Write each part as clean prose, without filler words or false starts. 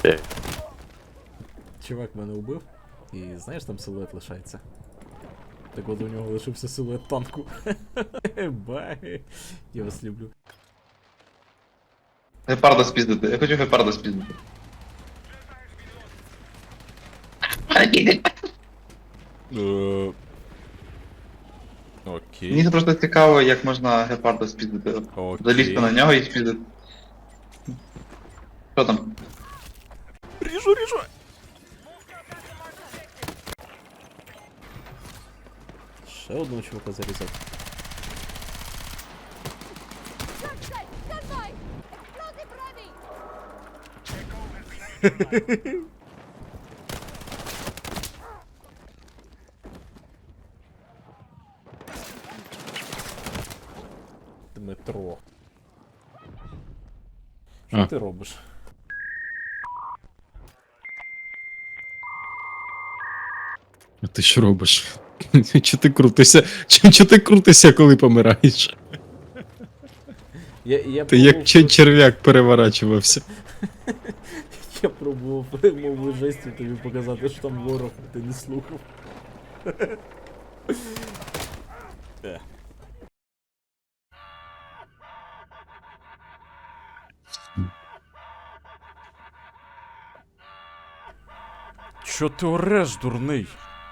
Чувак мене убив, і знаєш, там силует лишається. Так от у нього лишився силует танку. Бай. Я вас люблю. Гепарда спіздити, я хочу гепарда спіздити. Окей. Мені просто цікаво, як можна гепарда спіздити. Окей. Залізти на нього і спіздити. Що там? Ріжу, ріжу! Ще одного чувака зарізав. Дмитро. Що ти робиш? А ти що робиш? Чи ти крутишся? Чи ти крутишся, коли помираєш? Я Ти як черв'як переворачувався. Я пробував мову жестів тобі показати, що там ворог, а ти не слухав. Чо ти ореш, дурний?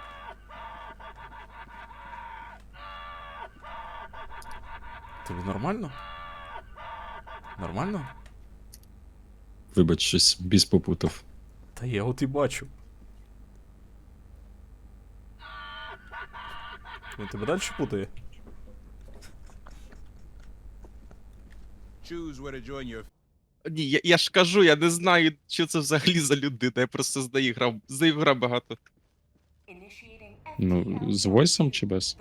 Тобі нормально? Нормально? Вибач, щось біс попутав. Та я от і бачу. Він тебе далі путає? Ні, я ж кажу, я не знаю, що це взагалі за людина, я просто з нею грав багато. Ну, з войсом чи без?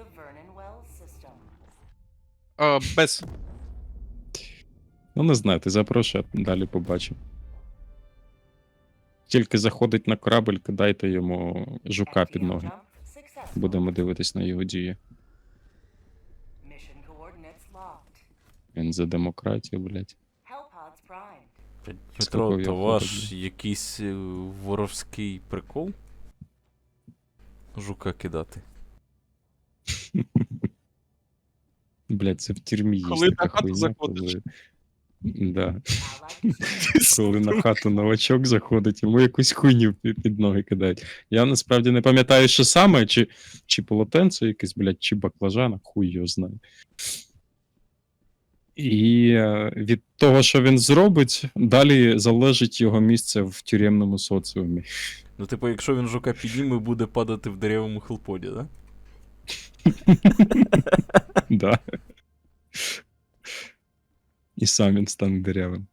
Без. Ну, не знаю, ти запрошуй, а далі побачимо. Тільки заходить на корабль, кидайте йому жука під ноги. Будемо дивитись на його дії. Він за демократію, блядь. Петро, то ваш якийсь воровський прикол? Жука кидати. Блядь, це в тюрмі є Коли така на хату хуйня, заходиш. коли... Да. Коли на хату новачок заходить, йому якусь хуйню під ноги кидають. Я насправді не пам'ятаю, що саме, чи полотенце якесь, блядь, чи баклажана, хуй його знає. І від того, що він зробить, далі залежить його місце в тюремному соціумі. Ну, типу, якщо він жука підніме, буде падати в деревому хелподі, да? Да. І сам він стане деревим.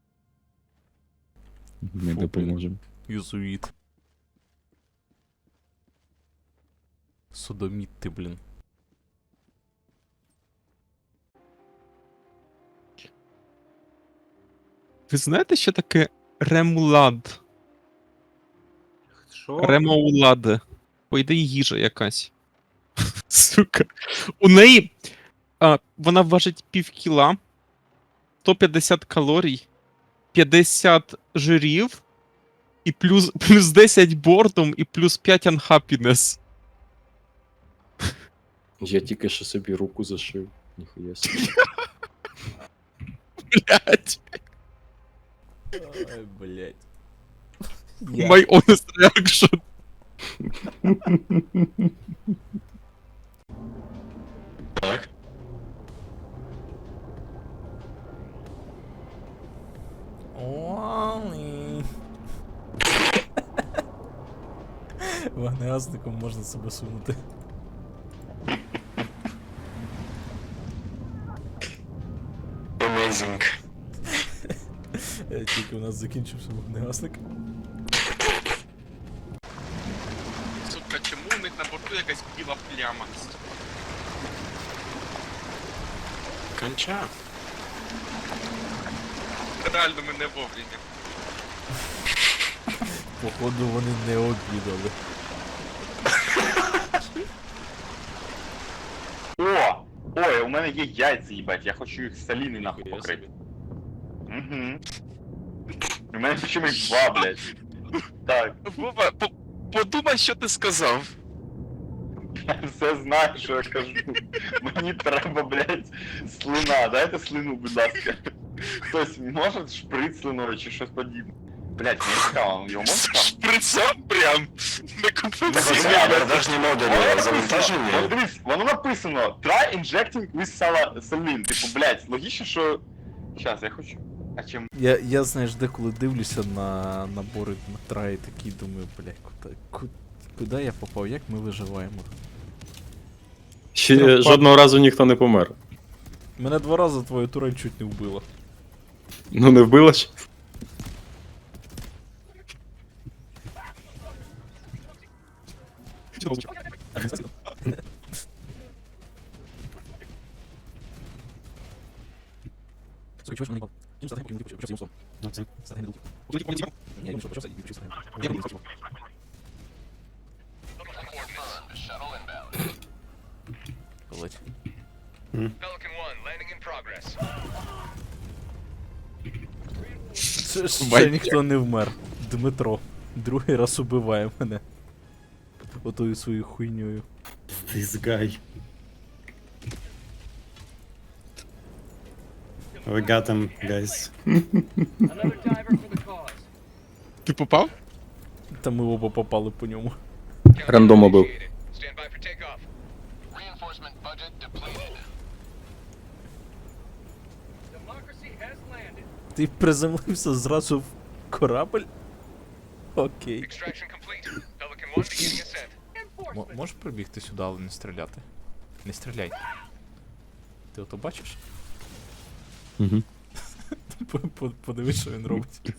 Ми Фу, допоможемо. Юзуїт. Содоміт ти, блін. Ви знаєте, що таке ремулад? Що? Ремоулад. По ідеї їжа якась. Сука. У неї вона важить пів кіла, 150 калорій, 50 жирів, і плюс 10 бордом, і плюс 5 unhappiness. Я тільки що собі руку зашив. Ніхуя собі. Блять. Ай, блядь. My honest reaction. Уали. Вогнегасником можна себе сунути. Amazing. Тільки у нас закінчився вогнегасник. Сука, чому у них на борту якась біла пляма? Конча. Реально мене вовремя. Походу вони не обідали. О! Ой, у мене є яйця, їбать, я хочу їх соліний нахуй Хуя покрити. Угу. У У мене чимось два, блядь. Так, Вова, подумай, що ти сказав. я все знаю, що я кажу. Мені треба, блядь, слина. Дайте слину, будь ласка. Хтось може шприц слиною чи щось подібне? Блядь, мені цікаво, його можна там? Шприцом прям на конференції. Це Продажні Воно модулі написано, завантажені. от дивись, воно написано try injecting with saline. Типу, блядь, логічно, що... Щас, я хочу... А чим? Я знаєш, деколи дивлюся на набори Дмитра і такий думаю, блядь, куди я попав, як ми виживаємо? Ще жодного разу ніхто не помер. Мене 2 рази твоя турель чуть не вбила. Ну не вбило ж? Блять. Ще ніхто не вмер. Дмитро. Другий раз убиває мене. Отою своєю хуйньою. This guy. We got him, guys. Ти попав? Та ми оба попали по ньому. Рандома був. Ти приземлився зразу в корабль? Окей. Можеш прибігти сюди, але не стріляти? Не стріляй. Ти ото бачиш? Угу. Подивись, що він робить.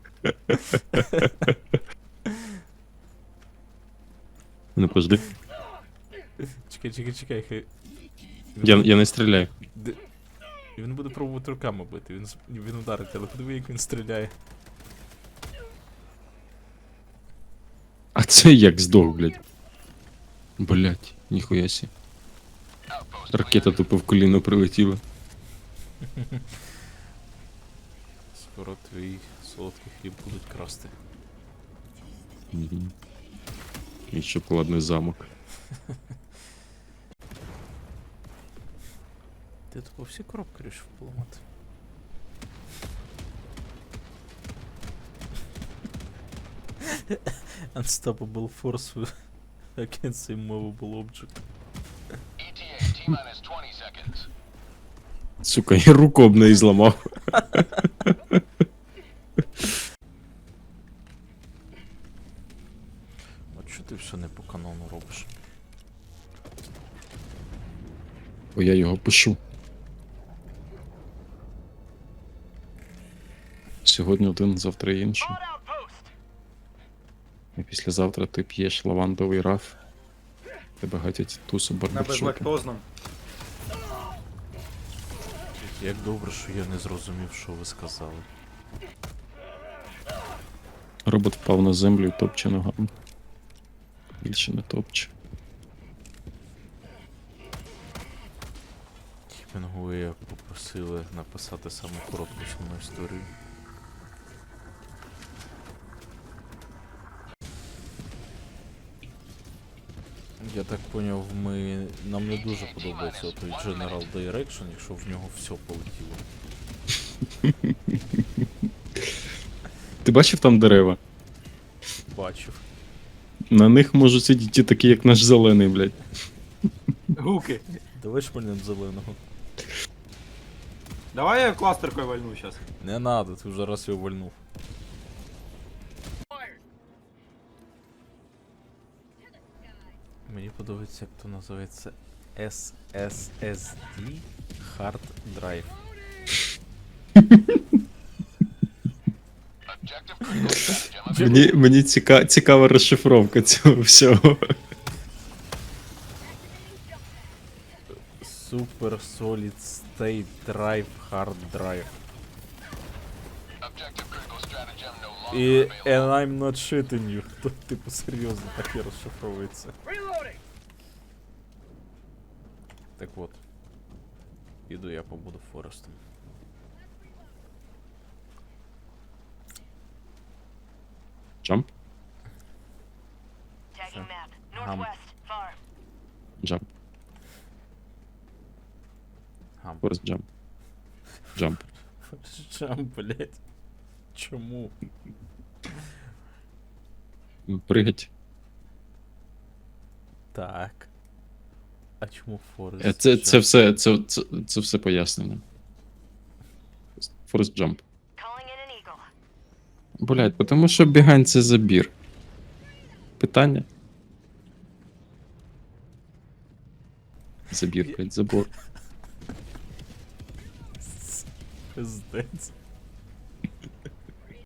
Ну подожди. Чекай, хай. Я не стріляю. Він буде пробувати руками бити, він ударить, але подиви, як він стріляє. А це як здох, блядь. Блядь, ніхуя сі. Ракета тупо в коліно прилетіла. Скоро твій солодкий хліб будуть красти. Мгм. І шоколадний замок. Ти тупо всі коробки рішив поламати. Unstoppable force against immovable object. Сука, я руку об неї зламав. От що ти все не по канону робиш? Бо я його пишу. Сьогодні один, завтра інший. І післязавтра ти п'єш лавандовий раф. Тебе гатять тусу барбершопі. безлактозном. Як добре, що я не зрозумів, що ви сказали. Робот впав на землю і топче ногами. Більше не топче. Хемінгуея попросили написати саму коротку сумну історію. Я так поняв, нам не дуже подобається той General Direction, якщо в нього все полетіло. Ти бачив там дерева? Бачив. На них можуть сидіти такі, як наш зелений, блядь. Гуки. Давай шпальнем зеленого. Давай я кластеркой вальну сейчас. Не надо, ти вже раз його вальнув. Мені подобається, як то називається SSSD Hard Drive. Мені цікава розшифровка цього всього. Super Solid State Drive Hard Drive. І and I'm not shitting you. То, типу, серйозно так і розшифровується. Так от. Іду я побуду Форестом. Jump. Tagging map. Hum. Northwest. Far. Jump. Гам. Forest jump. Jump. Чам, блять. Чому? Пригать. Так. А чому Форест? Це все пояснено. Forest jump. Calling in an eagle. Блять, тому що бігань це забір. Питання? Забір, блять, забор. Пиздець.